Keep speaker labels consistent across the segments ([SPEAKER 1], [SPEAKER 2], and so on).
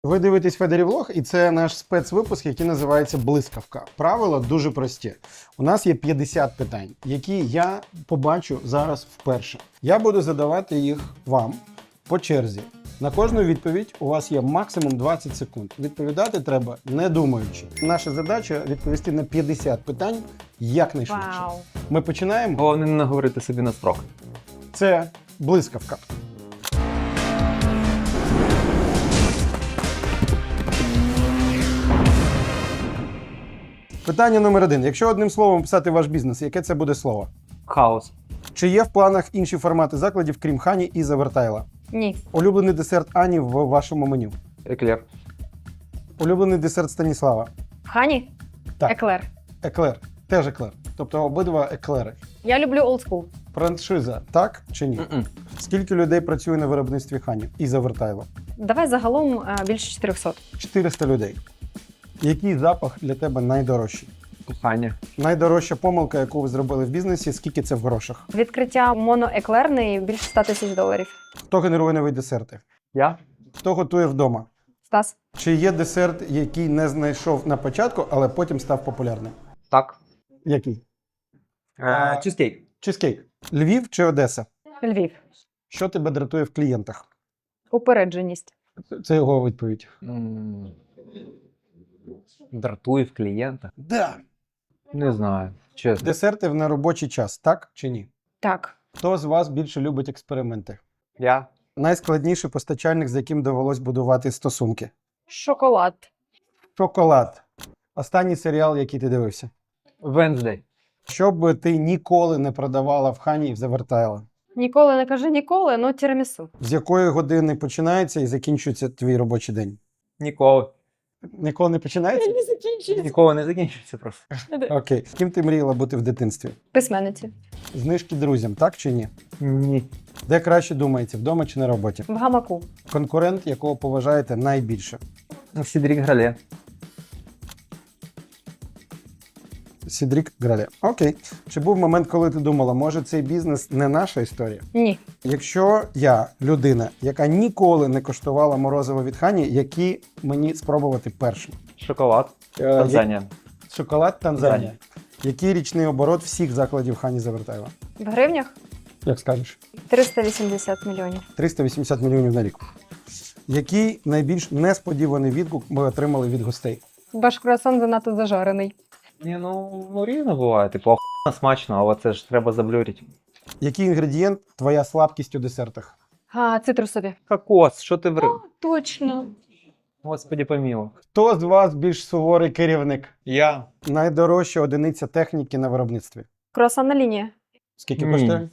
[SPEAKER 1] Ви дивитесь Федерівлог, і це наш спецвипуск, який називається «Блискавка». Правила дуже прості. У нас є 50 питань, які я побачу зараз вперше. Я буду задавати їх вам по черзі. На кожну відповідь у вас є максимум 20 секунд. Відповідати треба не думаючи. Наша задача – відповісти на 50 питань якнайшвидше.
[SPEAKER 2] Вау.
[SPEAKER 1] Ми починаємо.
[SPEAKER 3] Головне не наговорити собі на строк.
[SPEAKER 1] Це «Блискавка». Питання номер 1. Якщо одним словом описати ваш бізнес, яке це буде слово?
[SPEAKER 3] Хаос.
[SPEAKER 1] Чи є в планах інші формати закладів, крім Хані і Завертайла?
[SPEAKER 2] Ні.
[SPEAKER 1] Улюблений десерт Ані в вашому меню?
[SPEAKER 3] Еклер.
[SPEAKER 1] Улюблений десерт Станіслава?
[SPEAKER 2] Хані?
[SPEAKER 1] Так.
[SPEAKER 2] Еклер.
[SPEAKER 1] Еклер. Теж еклер. Тобто обидва еклери.
[SPEAKER 2] Я люблю олдскул.
[SPEAKER 1] Франшиза, так чи ні? Скільки людей працює на виробництві Хані і Завертайла?
[SPEAKER 2] Давай загалом більше 400.
[SPEAKER 1] 400 людей. Який запах для тебе найдорожчий?
[SPEAKER 3] Кохання.
[SPEAKER 1] Найдорожча помилка, яку ви зробили в бізнесі, скільки це в грошах?
[SPEAKER 2] Відкриття моноеклерної більше 100 тисяч доларів.
[SPEAKER 1] Хто генерує нові десерти?
[SPEAKER 3] Я?
[SPEAKER 1] Хто готує вдома?
[SPEAKER 2] Стас?
[SPEAKER 1] Чи є десерт, який не знайшов на початку, але потім став популярним?
[SPEAKER 3] Так.
[SPEAKER 1] Який?
[SPEAKER 3] Чизкейк.
[SPEAKER 1] Чизкейк. Львів чи Одеса?
[SPEAKER 2] Львів.
[SPEAKER 1] Що тебе дратує в клієнтах?
[SPEAKER 2] Упередженість.
[SPEAKER 1] Це його відповідь.
[SPEAKER 3] Дратує в клієнта.
[SPEAKER 1] Да.
[SPEAKER 3] Не знаю. Чесно.
[SPEAKER 1] Десерти в неробочий час, так чи ні?
[SPEAKER 2] Так.
[SPEAKER 1] Хто з вас більше любить експерименти?
[SPEAKER 3] Я?
[SPEAKER 1] Найскладніший постачальник, з яким довелось будувати стосунки?
[SPEAKER 2] Шоколад.
[SPEAKER 1] Шоколад. Останній серіал, який ти дивився?
[SPEAKER 3] Венздей.
[SPEAKER 1] Що б ти ніколи не продавала в Хані і в Завертайла?
[SPEAKER 2] Ніколи не кажи ніколи, ну тірамісу.
[SPEAKER 1] З якої години починається і закінчується твій робочий день?
[SPEAKER 3] Ніколи.
[SPEAKER 1] Ніколи не починається?
[SPEAKER 2] Не закінчується.
[SPEAKER 3] Ніколи не закінчиться просто.
[SPEAKER 1] Окей. Ким ти мріяла бути в дитинстві?
[SPEAKER 2] Письменниці.
[SPEAKER 1] Знижки друзям, так чи ні?
[SPEAKER 3] Ні.
[SPEAKER 1] Де краще думається, вдома чи на роботі?
[SPEAKER 2] В гамаку.
[SPEAKER 1] Конкурент, якого поважаєте найбільше?
[SPEAKER 3] Сідрік Грале.
[SPEAKER 1] Сідрік Грале. Окей. Чи був момент, коли ти думала, може цей бізнес не наша історія?
[SPEAKER 2] Ні.
[SPEAKER 1] Якщо я людина, яка ніколи не коштувала морозиво від Хані, які мені спробувати першим?
[SPEAKER 3] Шоколад. Танзанія.
[SPEAKER 1] Шоколад Танзанія. Який річний оборот всіх закладів Хані Завертайла?
[SPEAKER 2] В гривнях
[SPEAKER 1] Як скажеш?
[SPEAKER 2] 380 мільйонів.
[SPEAKER 1] 380 мільйонів на рік. Який найбільш несподіваний відгук ми отримали від гостей?
[SPEAKER 2] Ваш круасан занадто зажарений.
[SPEAKER 3] Ні, ну різно буває. Типу, охуєнно смачно, але це ж треба заблюрити.
[SPEAKER 1] Який інгредієнт твоя слабкість у десертах?
[SPEAKER 2] Цитрусові.
[SPEAKER 3] Кокос, що ти ври?
[SPEAKER 2] Точно.
[SPEAKER 3] Господи помілуй.
[SPEAKER 1] Хто з вас більш суворий керівник?
[SPEAKER 3] Я.
[SPEAKER 1] Найдорожча одиниця техніки на виробництві?
[SPEAKER 2] Круасанна лінія.
[SPEAKER 1] Скільки
[SPEAKER 3] Ні.
[SPEAKER 1] коштує?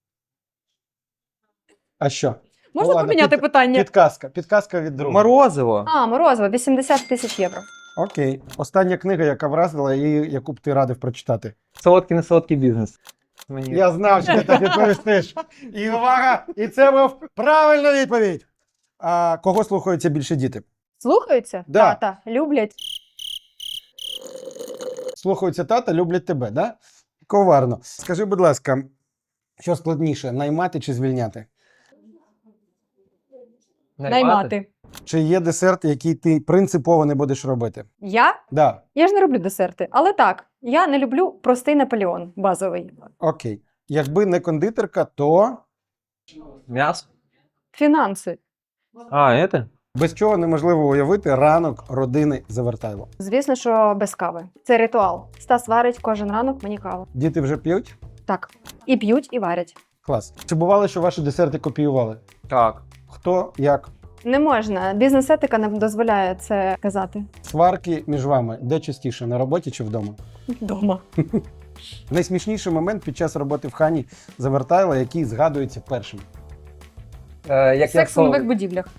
[SPEAKER 1] А що?
[SPEAKER 2] Можна
[SPEAKER 1] ладно,
[SPEAKER 2] поміняти питання?
[SPEAKER 1] Підказка. Підказка від друга.
[SPEAKER 3] Морозиво.
[SPEAKER 2] Морозиво, 80 тисяч євро.
[SPEAKER 1] Окей. Остання книга, яка вразила і яку б ти радив прочитати.
[SPEAKER 3] Солодкий, не солодкий бізнес. Мені...
[SPEAKER 1] Я знав, що ти так відповістиш. І увага! І це був правильна відповідь. А кого слухаються більше діти?
[SPEAKER 2] Слухаються?
[SPEAKER 1] Да.
[SPEAKER 2] Тата, люблять.
[SPEAKER 1] Слухаються тата, люблять тебе, да? Коварно. Скажи, будь ласка, що складніше, наймати чи звільняти?
[SPEAKER 2] Наймати.
[SPEAKER 1] Чи є десерт, який ти принципово не будеш робити?
[SPEAKER 2] Я?
[SPEAKER 1] Да.
[SPEAKER 2] Я ж не роблю десерти. Але так, я не люблю простий Наполеон, базовий.
[SPEAKER 1] Окей. Якби не кондитерка, то
[SPEAKER 3] М'ясо?
[SPEAKER 2] Фінанси.
[SPEAKER 3] Это?
[SPEAKER 1] без чого неможливо уявити ранок родини Завертайло.
[SPEAKER 2] Звісно, що без кави. Це ритуал. Стас варить кожен ранок мені каву.
[SPEAKER 1] Діти вже п'ють?
[SPEAKER 2] Так. І п'ють, і варять.
[SPEAKER 1] Клас. Чи бувало, що ваші десерти копіювали?
[SPEAKER 3] Так.
[SPEAKER 1] Хто, як?
[SPEAKER 2] Не можна. Бізнес-етика не дозволяє це казати.
[SPEAKER 1] Сварки між вами де частіше, на роботі чи вдома?
[SPEAKER 2] Дома.
[SPEAKER 1] Найсмішніший момент під час роботи в Хані Завертайла, який згадується першим.
[SPEAKER 2] Секс у нових будівлях.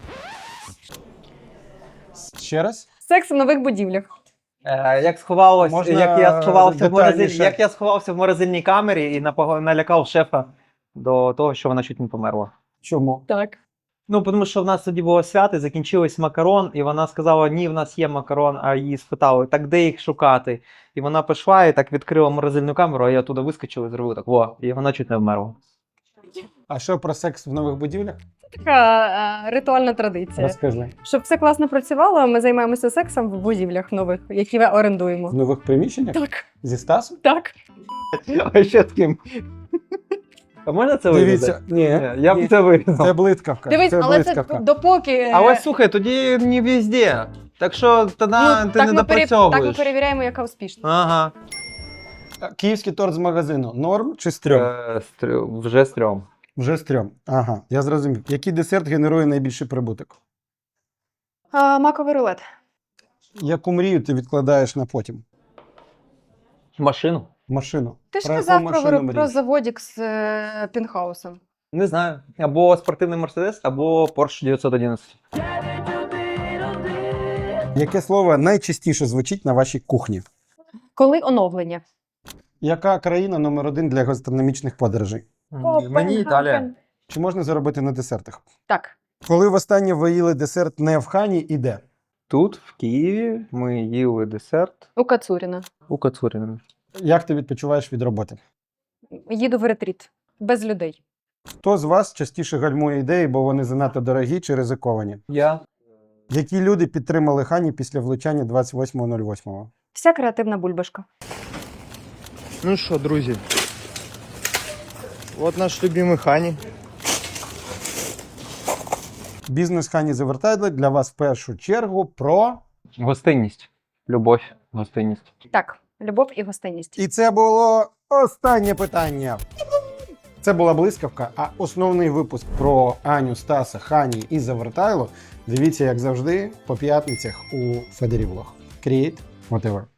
[SPEAKER 1] Ще раз?
[SPEAKER 2] Секс у нових будівлях.
[SPEAKER 3] Як сховалось,
[SPEAKER 1] Можна детальніше?
[SPEAKER 3] як я сховався в морозильній камері і налякав шефа до того, що вона чуть не померла.
[SPEAKER 1] Чому?
[SPEAKER 2] Так.
[SPEAKER 3] Ну, тому що в нас тоді було свято, закінчилось макарон, і вона сказала, ні, в нас є макарон, а її спитали, так де їх шукати? І вона пішла і так відкрила морозильну камеру, а я туди вискочив і зробив так, во, і вона чуть не вмерла.
[SPEAKER 1] А що про секс в нових будівлях?
[SPEAKER 2] Така ритуальна традиція.
[SPEAKER 1] Розкажи.
[SPEAKER 2] Щоб все класно працювало, ми займаємося сексом в будівлях нових, які ми орендуємо.
[SPEAKER 1] В нових приміщеннях?
[SPEAKER 2] Так,
[SPEAKER 1] Зі Стасом?
[SPEAKER 2] так.
[SPEAKER 3] А ще з ким? А можна це
[SPEAKER 1] Дивіться, ні.
[SPEAKER 3] Я б це вирізав.
[SPEAKER 1] Це блискавка.
[SPEAKER 2] Дивись,
[SPEAKER 1] це
[SPEAKER 2] але
[SPEAKER 1] блискавка.
[SPEAKER 2] це допоки.
[SPEAKER 3] А ось слухай, тоді не везде. Так що тоді ти не
[SPEAKER 2] так ми
[SPEAKER 3] допрацьовуєш.
[SPEAKER 2] перевіряємо, яка успішна.
[SPEAKER 3] Ага.
[SPEAKER 1] Київський торт з магазину. Норм чи стрьом?
[SPEAKER 3] Вже стрьом.
[SPEAKER 1] Вже стрьом. Ага, я зрозумів. Який десерт генерує найбільший прибуток?
[SPEAKER 2] Маковий рулет.
[SPEAKER 1] Яку мрію ти відкладаєш на потім?
[SPEAKER 3] Машину?
[SPEAKER 1] Машину.
[SPEAKER 2] Ти ж
[SPEAKER 1] Про яку
[SPEAKER 2] казав
[SPEAKER 1] машину
[SPEAKER 2] про
[SPEAKER 1] мрієш?
[SPEAKER 2] заводік з пінхаусом.
[SPEAKER 3] Не знаю. Або спортивний Мерседес, або Porsche 911.
[SPEAKER 1] Яке слово найчастіше звучить на вашій кухні?
[SPEAKER 2] Коли оновлення?
[SPEAKER 1] Яка країна номер 1 для гастрономічних подорожей?
[SPEAKER 3] Мені Італія.
[SPEAKER 2] Копенгаген.
[SPEAKER 1] Чи можна заробити на десертах?
[SPEAKER 2] Так.
[SPEAKER 1] Коли востаннє ви їли десерт не в Хані і де?
[SPEAKER 3] Тут, в Києві, ми їли десерт
[SPEAKER 2] У Кацуріна.
[SPEAKER 3] у Кацуріна.
[SPEAKER 1] Як ти відпочиваєш від роботи?
[SPEAKER 2] Їду в ретріт. Без людей.
[SPEAKER 1] Хто з вас частіше гальмує ідеї, бо вони занадто дорогі чи ризиковані?
[SPEAKER 3] Я.
[SPEAKER 1] Які люди підтримали Хані після влучання 28.08?
[SPEAKER 2] Вся креативна бульбашка.
[SPEAKER 4] Ну що, друзі, от наш любимий Хані.
[SPEAKER 1] Бізнес Хані Завертайдли для вас в першу чергу про...
[SPEAKER 3] Гостинність. Любов, гостинність.
[SPEAKER 2] Так, любов і гостинність.
[SPEAKER 1] І це було останнє питання. Це була блискавка, а основний випуск про Аню, Стаса, Хані і Завертайло дивіться, як завжди, по п'ятницях у Федері Влог. Create whatever.